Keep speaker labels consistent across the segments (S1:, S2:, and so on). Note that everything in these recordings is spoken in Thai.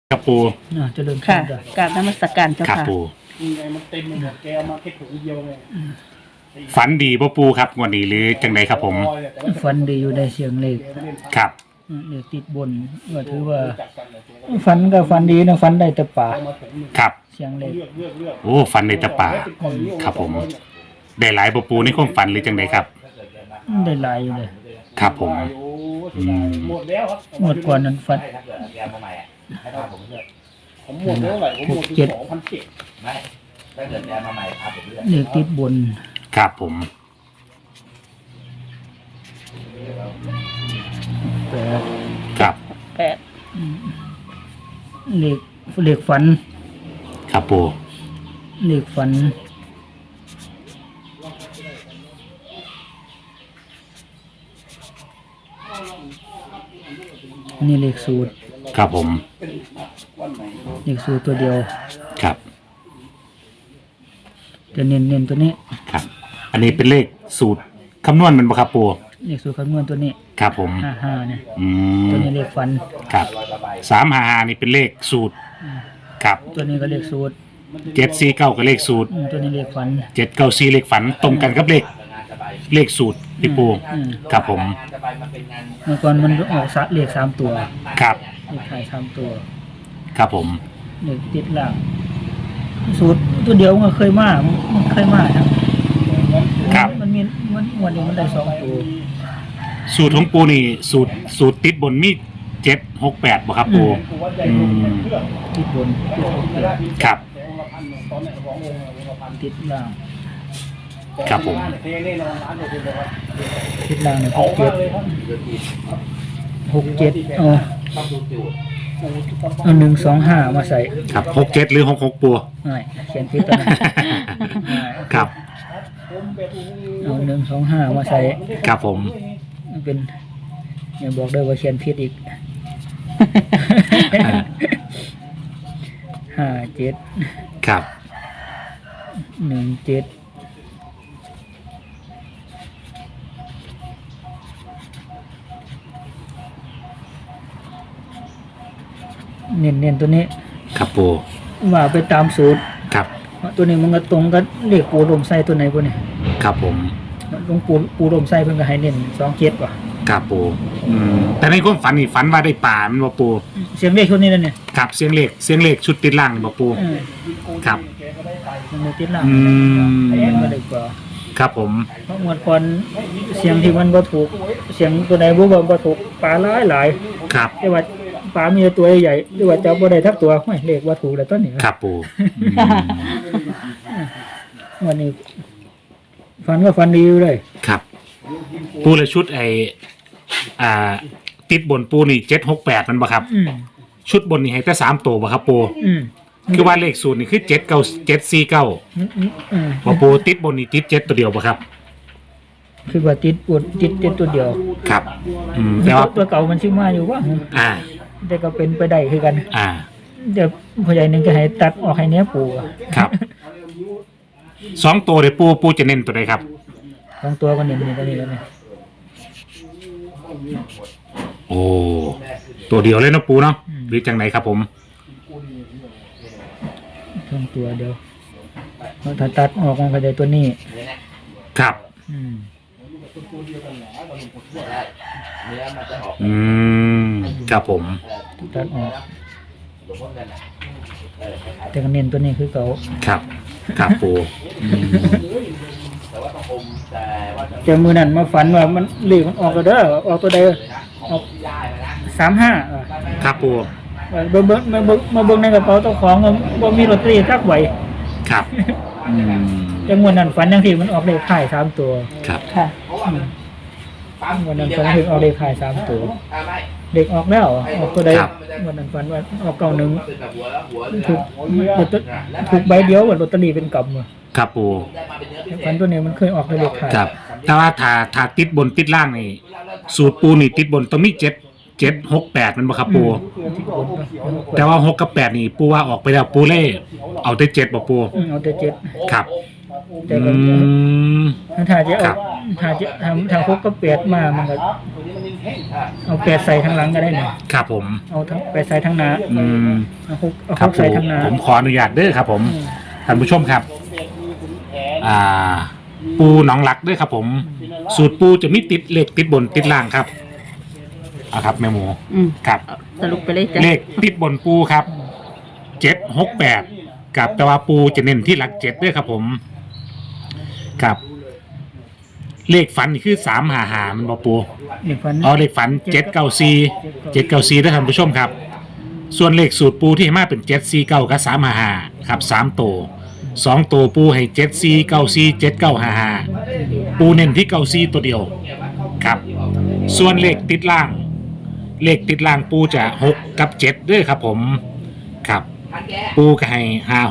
S1: ครับปู
S2: เจริญพ
S3: ค่ะ
S2: รจ้ะ
S3: กราบนมัสการเจ้า
S1: ครับ
S3: ค่ะ
S1: ปู
S4: ยังไงมันเต็มไปหมดแกเอามาแค่ถุงเดียวไง
S1: ฝันดีปูครับงวดนี้หรือจังไดครับผม
S2: ฝันดีอยู่ได้เสียงเลข
S1: ครับ
S2: เลขติดบนก็ถือว่าฝันก็ฝันดีนะฝันได้แต่ป่า
S1: ครับ
S2: เสียงเลข
S1: โอ้ฝันในตะป่าครับผมได้หลายปูในความฝันหรือจังไดครับ
S2: ได้หลายอยู่เลย
S1: ครับผมอืม
S4: หมดแล้วครับ
S2: งวดก่อนนั้นฝัน
S4: ผมหมดเท่าไหร่ผมหมดถึง2,700
S5: ไม่ถ้าเกิดแดนมาใหม่ครับผมเลือก
S2: เลขติดบน
S1: ครับผม
S2: แปด
S1: ครับ
S3: แปด
S2: เลขฝัน
S1: ครับปู
S2: เลขฝันนี่เลขสูตร
S1: ครับผม
S2: เลขสูตรตัวเดียว
S1: ครับ
S2: จะเน้นตัวนี้
S1: ครับ อันนี้เป็นเลขสูตรคำนวณมันบ่ครับปู
S2: เลขสูตรคำนวณตัวนี้
S1: ครับผม
S2: 55เนี่ย
S1: อื
S2: ตัว
S1: ม
S2: นี้เลขฝัน
S1: ครับ355นี่เป็นเลขสูตรครับ
S2: ตัวนี้ก็เลขสูตร
S1: 749ก็เลขสูตร
S2: ตัวนี้เลขฝัน
S1: 794เลขฝันตรงกันกับเลขสูตรพี่ปูครับผม
S5: งานจะไปมันเป็นงาน
S2: เมื่อก่อนมันออกเลข3ตัว
S1: ครับ
S2: เลขท้าย3ตัว
S1: ครับผม
S2: เลขติดล่างสูตรตัวเดียวมันเคยมานะครับ มันมีวันนี้มันได้2ตัว
S1: สูตรของปูนี่สูตรติดบนมี768บ่ครับปูอืม
S2: ติดบนติดหกเจ็ด
S1: ครับ
S2: ติดล่าง
S1: ครับผม
S4: เทแน่นอนร้านเดียวกันครับ
S2: ติดล่างเนี่ย
S4: เอามากเลยครับ
S2: 67เอา
S5: ต้องดูจูด
S2: เอา125มาใส่
S1: ครับ67หรือ66ปู
S2: ง่ายเขียนผิดตัวนั้นง่าย
S1: ครับ
S2: เอา125มาใส่
S1: ครับผม
S2: มันเป็นอย่าบอกด้วยว่าเขียนผิดอีก 57
S1: ครับ
S2: 17เน้นตัวนี้
S1: ครับปู
S2: ว่าไปตามสูตร
S1: ครับ
S2: ตัวนี้มันก็ตรงกับเลขปูลมไส้ตัวไหนพวกนี้
S1: ครับผม
S2: หลวงปูลมไส้เพิ่นก็ให้เน้น27ว่ะ
S1: ครับปูแต่ในความฝันนี่ฝันว่าได้ป่ามันบ่ปู
S2: เสียงเลขชุดนี้นั่นเนี่ย
S1: ครับเสียงเลขชุดติดล่างนี่บ่ปู ครับ
S2: มันเลยติดหลัง
S1: อืม
S2: มันเลยกว่า
S1: ครับผม
S2: เพราะงวดก่อนเสียงที่มันบ่ถูกเสียงตัวไหนบ่ถูกปลาหลาย
S1: ครับ
S2: แต่ว่าปลามีแต่ตัวใหญ่หรือว่าจับบ่ได้ทักตัวห้ยเลขว่าถูกแล้วต้นนี้
S1: ครับปูอืม
S2: วันนี้ฝันก็ฝันดีอยู่เลย
S1: ครับปูละชุดติดบนปูนี่768มันบ่ครับ
S2: อืม
S1: ชุดบนนี่ให้แต่3ตัวบ่ครับปู
S2: อืม
S1: คือว่าเลขสูตรนี่คือ74749บ่ปูติดบนนี่ติด7ตัวเดียวบ่ครับ
S2: คือว่าติดปวดติดตัวเดียว
S1: ครับแต่ว่า
S2: ตัวเก่ามันชื่อมาอยู่ว่า
S1: อ่า
S2: แต่ก็เป็นไปได้คือกัน
S1: อ่า
S2: เดี๋ยวผู้ใหญ่หนึงก็ให้ตัดออกให้เนี้ยปูอะ
S1: ครับ2ตัวเดี๋ยวปูจะเน้นตัวใดครับ
S2: สองตัวก็เน้นนี่ตัวนี้แล้วเนี่ย
S1: โอ้ตัวเดียวเลยเนาะปูเนาะหรือจังไหนครับผม
S2: สองตัวเดียวถ้าตัดออกมันก็ได้ตัวนี้
S1: ครับ
S2: อืม
S5: เนื้อมันจะออก
S1: อืมครับผม
S2: ตัดออก
S5: หลวงพ่อเงินอ่ะ
S2: แต่ก็เน้นตัวนี้คือเก่า
S1: ครับครับปูอืม
S5: แต่ว่าต้องอมแต่ว่าจะ
S2: แต่มือนั้นมาฝันว่ามันเลขมันออกแล้วเด้อออกตัวใดออก
S5: ย้ายไปนะ
S2: 35อ่ะ
S1: ครับปู
S2: มาเบิ่งในกระเป๋าเจ้าของก็บ่มีลอตเตอรี่สักใบ
S1: ครับอืม
S2: แต่งวดนั้นฝันจังซี่มันออกเลขท้าย3ตัว
S1: ครับ
S3: ค่ะ
S5: เพราะว่ามันปั๊ม
S2: งวดนั้นฝันถึงออกเลขท้าย3ตัว
S5: ไม่
S2: เด็กออกแล้วออกตัวใดงวดนั้นฝันว่าออกเก่าหนึง
S5: เป็นแบบหัวแล้วหัว
S2: ถูกใบเดียวว่าลอตเตอรี่เป็นกำอะ
S1: ครับปู
S5: ได้มาเป็นเนื้อพิเศ
S2: ฝัน
S5: ษ
S2: ตัวนี้มันเคยออกในเลขท้าย
S1: ครับแต่ว่าถ้าติดบนติดล่างนี่สูตรปูนี่ติดบนต้องมี768มันบ่ครับปู
S2: ที่บนก็
S1: แต่ว่า6กับ8นี่ปูว่าออกไปแล้วปูเล่เอาแต่7บ่ปู
S2: เอาแต่เจ็ด
S1: ครับ
S2: แต่ก็
S1: อืม
S2: ถ้าจะ
S1: ครั
S2: เอา
S1: บ
S2: ถ้าจะทางพกก็เปียดมามันก็
S4: ตัวนี้มันนิ่งแห้ง
S2: เอาเปียดใส่ทางหลังก็ได้เนี่ย
S1: ครับผม
S2: เอาทั้งไปใส่ทางหน้า
S1: อืม
S2: เอาพก
S1: ครับ
S2: ใส่ทางหน้า
S1: ผมขออนุญาตเด้อครับผม
S2: อืม
S1: ท่านผู้ชมครับ
S4: สมเด็จมีขุนแผน
S1: ปูหนองลักด้วยครับผม สูตรปูจะมีติดเลขติดบนติดล่างครับเอาครับแม่หมู
S3: อืม
S1: ครับ
S3: สรุปไปเลยจ้ะ
S1: เลขติดบนปูครับ768กับแต่ว่าปูจะเน้นที่หลัก7ด้วยครับผมครับ เลขฝันนี่คือ355มันบ่ปู
S2: นี่ฟัน
S1: อ๋อเลขฝัน794ด้วยท่านผู้ชมครับ ส่วนเลขสูตรปูที่ให้มาเป็น749กับ355ครับ3ตัว2ตัวปูให้7494 7955ปูเน้นที่94ตัวเดียวครับ ส่วนเลขติดล่าง เลขติดล่างปูจะ6กับ7ด้วยครับผมครับ ปูก็ให้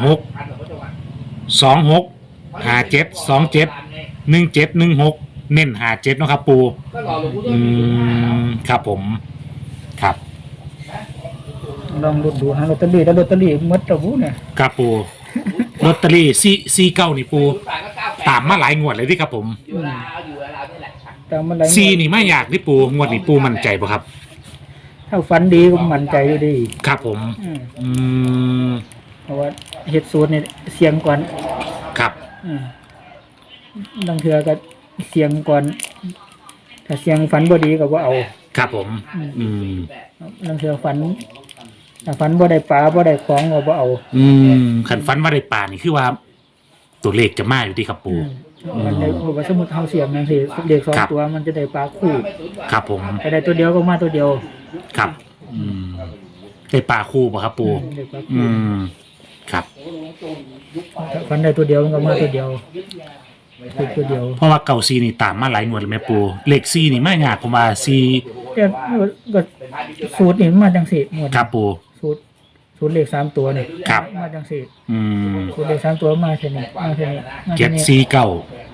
S1: 56 26 57 27 17 16เน้น57เนาะครับปู
S5: ก็รอหลวงปู่
S1: อืมครับผมครับ
S2: ลองดูหาลอตเตอรี่แล้วลอตเตอรี่หมดตะบูเนี่ย
S1: ครับปูลอตเตอรี่49นี่ปู
S5: 8
S1: ตามมาหลายงวดเลยที่ครับผม
S5: อยู่เวลาอยู่เวลานี่แหละครับ
S2: ตามมันไหล
S1: ซีนี่ไม่อยากที่ปูงวดนี้ปูมั่นใจป่ะครับ
S2: ถ้าฟันดีก็มั่นใจอยู่ดี
S1: ครับผม
S2: อืม
S1: อืม
S2: เพราะว่าเฮ็ดสูตรเนี่ยเสียงก่อน
S1: ครับ
S2: อืมบางเทื่อก็เสียงก่อนถ้าเสียงฝันบ่ดีก็บ่เอา
S1: ครับผม อืม
S2: บางเทื่อฝันถ้าฝันบ่ได้ปลาบ่ได้ของก็บ่เอา
S1: อืมขันฟันว่าได้ป่านี่คือว่า ตัวเลขจะมาอยู่ที่ครับปู
S2: มันได้เพราะว่าสมมุติเฮาเสียงจังซี่เด็กสอง
S1: ครับ
S2: ตัวมันจะได้ปลาคู่
S1: ครับผม
S2: ถ้าได้ตัวเดียวก็มาตัวเดียว
S1: ครับ อืมได้ป่าคู่ป่ะครับปู
S2: ได้ปลา
S1: อื
S2: คู่
S1: มครับ
S2: ถ้าฝันได้ตัวเดียวมันก็มาตัวเดียวคือตัวเดียว
S1: เพราะว่าเก่าซีนี่ตามมาหลายงวดเลยแม่ปูเลขซีนี่ไม่ยากผมว่าซี
S2: แต่ก็สูตรนี่มันมาจังซี่หมด
S1: ครับปู
S2: สูตรเลข3ตัวนี่
S1: ครับ
S2: มาจังซี่
S1: อืม
S2: สูตรเลข3ตัวมาแค่นี้มาแค่นี้มา
S1: เจ็
S2: แค่
S1: ด
S2: นี้
S1: ซีเก้า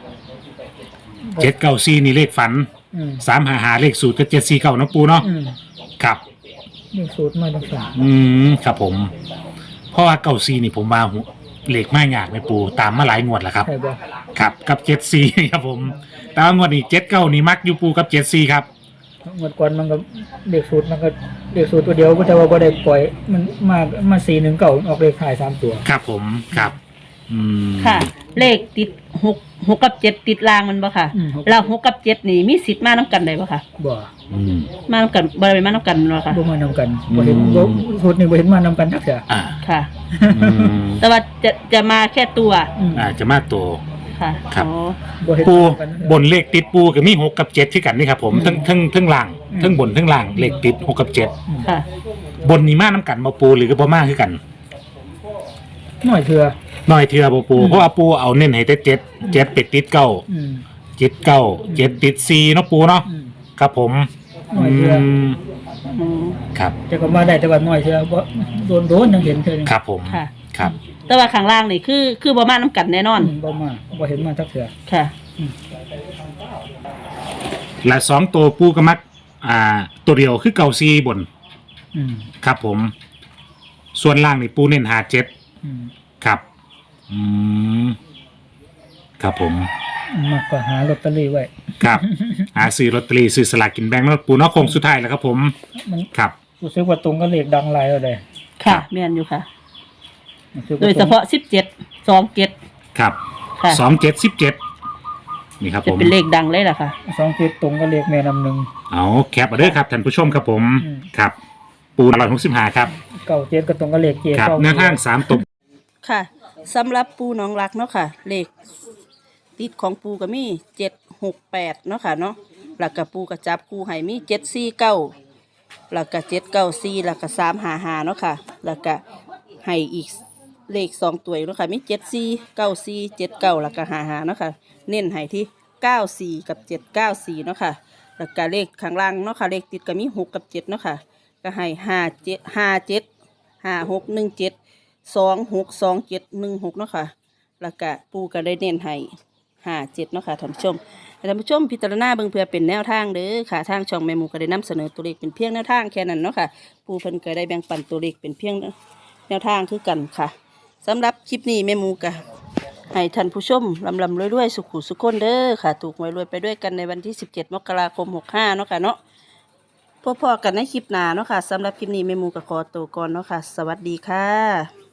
S1: 794นี่เลขฝัน
S2: อืม
S1: 355เลขสูตรก็749นะปูเนาะ
S2: อืม
S1: ครับ
S2: เลขสูตรมาจังซี่
S1: อืมครับผม เพราะว่าเก่าซีนี่ผมว่าเลขไม่ยากแม่ปูตามมาหลายงวดแล้วครับ
S2: ใช่บ่
S1: ครับกับ74ครับผม แต่ว่างวดนี้79นี่มักอยู่ปูกับ74ครับ
S2: งวดก่อนมันก็เลขสูตรมันก็เลขสูตรตัวเดียวก็แต่ว่าบ่ได้ปล่อยมันมา419ออกเลขท้าย3ตัว
S1: ครับผมครับ อืม
S3: ค่ะ เลขติด6กับ7ติดรางมันบ่ค่ะ
S2: อืม
S3: แล้ว6กับ7นี่มีสิทธิ์มานํกันได้บ่ค่ะ
S2: บ่
S1: อืม
S3: มานํกันบ่ได้มานํกันบ่ค่ะ
S2: บ่มานำกันบ่เห็น
S1: อืม
S2: บ่สูตรนี่บ่เห็นมานำกันจักเทื่อ
S1: อ่า
S3: ค่ะ
S1: อืม
S3: แต่ว่าจะมาแค่ตัว
S2: อืม
S1: จะมาตัว
S3: ค่ะ
S1: ครับ
S3: อ๋อ
S2: บ่เห็น
S1: ปู
S2: มานำกันจักเทื่อบ
S1: นเลขติดปูก็มี6กับ7ที่กันนี่ครับผม
S2: อืม
S1: ทั้งล่าง
S2: อืม
S1: ทั้งบนทั้งล่างเลขติด6กับ7
S3: ค่ะ
S1: บนนี่มาน้ำกันบ่ปูหรือก็บ่มาคือกัน
S2: น้อยเทื่อ
S1: น้อยเทื่อบ่ปู
S2: อืม
S1: เพราะว่าปูเอาเน้นให้แต่7 7เป็ดติดเก้า
S2: อืม
S1: 7 9 7ติด4เนาะปูเนาะ
S2: อืม
S1: ครับผม
S2: น้อยเทื่อ
S1: ม
S3: อืม
S1: ครับ
S2: แต่ก็มาได้แต่ว่าน้อยเทื่อบ่โดนจังเห็นเทื่อนึง
S1: ครับผม
S3: ค่ะ
S1: ครับ
S3: แต่ว่าข้างล่างนี่คือบ่มานํกันแน่นอน
S2: บ่มาบ่เห็นมาจักเทื่อ
S3: ค่ะ
S1: และ2ตัวปูก็มักตัวเดียวคือเก่าซีบน
S2: อืม
S1: ครับผม ส่วนล่างนี่ปูเน้นหา7
S2: อืม
S1: ครับ อืมครับผม
S2: มากกว่าหาลอตเตอรี่ไว้
S1: ครับ หาซื้อลอตเตอรี่ซื้อสลากกินแบ่งเนาะปูเนาะโค้งสุดท้ายแล้วครับผม
S2: มัน
S1: ครับ
S2: รู้สึกว่าตรงกับเลขดังหลายแล้วเด้
S3: ค่ะแม่นอยู่ค่ะ
S2: รู้สึก
S3: โด
S2: ว่
S3: ยเฉพาะ17 27
S1: ครับ
S3: ค่ะ
S1: 2717นี่ครับ
S3: จะ
S1: ผม
S3: เป็นเลขดังเลยล่ะค่ะ
S2: 27ตรงกับเลขแม่นำหนึ่ง
S1: เอาแคปมาเด้อครับท่านผู้ชมครับผม
S2: อืม
S1: ครับ ปู165ครับ
S2: 97ก็ตรงกับเลขเกียร์
S1: ครับ
S2: เก้า
S1: แนวทาง3ตัว
S3: ค่ะสำหรับปูหนองรักเนาะค่ะ เลขติดของปูก็มี768เนาะค่ะเนาะแล้วก็ปูก็จับคู่ให้มี749แล้วก็794แล้วก็355เนาะค่ะ แล้วก็ให้อีกเลข2ตัวเนาะค่ะมี7494 79แล้วก็55เนาะค่ะ เน้นให้ที่94กับ794เนาะค่ะ แล้วก็เลขข้างล่างเนาะค่ะเลขติดก็มี6กับ7เนาะค่ะก็ให้57 5617262716เนาะค่ะแล้วก็ปูก็ได้เน้นให้57เนาะค่ะท่านผู้ชมท่านผู้ชมพิจารณาเบิ่งเพื่อเป็นแนวทางเด้อค่ะทางช่องแม่หมูก็ได้นำเสนอตัวเลขเป็นเพียงแนวทางแค่นั้นเนาะค่ะปูเพิ่นก็ได้แบ่งปันตัวเลขเป็นเพียงแนวทางคือกันค่ะสำหรับคลิปนี้แม่หมูก็ให้ท่านผู้ชมลำรวยๆสุขุสุขคนเด้อค่ะ ถูกหวยรวยไปด้วยกันในวันที่17 มกราคม 65เนาะค่ะเนาะพบกันในคลิปหน้าเนาะค่ะสำหรับคลิปนี้แม่หมูก็ขอตัวก่อนเนาะค่ะสวัสดีค่ะ